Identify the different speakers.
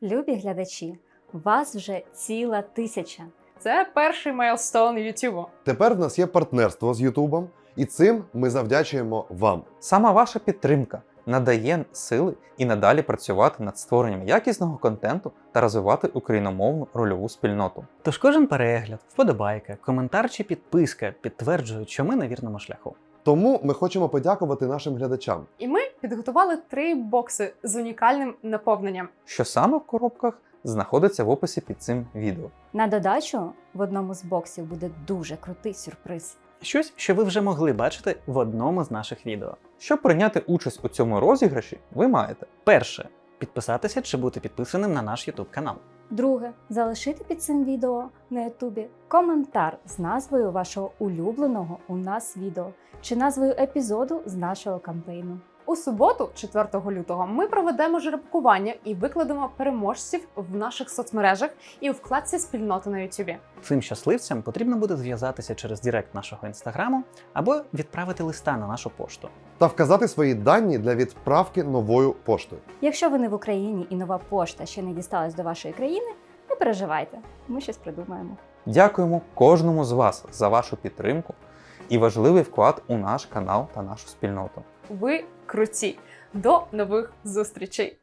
Speaker 1: Любі глядачі, вас вже ціла 1000.
Speaker 2: Це перший майлстоун Ютубу.
Speaker 3: Тепер в нас є партнерство з Ютубом, і цим ми завдячуємо вам.
Speaker 4: Саме ваша підтримка надає сили і надалі працювати над створенням якісного контенту та розвивати україномовну рольову спільноту.
Speaker 5: Тож кожен перегляд, вподобайка, коментар чи підписка підтверджують, що ми на вірному шляху.
Speaker 3: Тому ми хочемо подякувати нашим глядачам.
Speaker 2: І ми підготували 3 бокси з унікальним наповненням.
Speaker 4: Що саме в коробках знаходиться в описі під цим відео.
Speaker 1: На додачу, в одному з боксів буде дуже крутий сюрприз.
Speaker 5: Щось, що ви вже могли бачити в одному з наших відео.
Speaker 4: Щоб прийняти участь у цьому розіграші, ви маєте
Speaker 5: Перше. Підписатися чи бути підписаним на наш YouTube канал.
Speaker 1: Друге, залишити під цим відео на Ютубі коментар з назвою вашого улюбленого у нас відео чи назвою епізоду з нашого кампейну.
Speaker 2: У суботу, 4 лютого, ми проведемо жеребкування і викладемо переможців в наших соцмережах і у вкладці спільноти на Ютубі.
Speaker 5: Цим щасливцям потрібно буде зв'язатися через Директ нашого інстаграму або відправити листа на нашу пошту.
Speaker 3: Та вказати свої дані для відправки новою поштою.
Speaker 1: Якщо ви не в Україні і нова пошта ще не дісталась до вашої країни, не переживайте, ми щось придумаємо.
Speaker 4: Дякуємо кожному з вас за вашу підтримку і важливий вклад у наш канал та нашу спільноту.
Speaker 2: Ви круті! До нових зустрічей!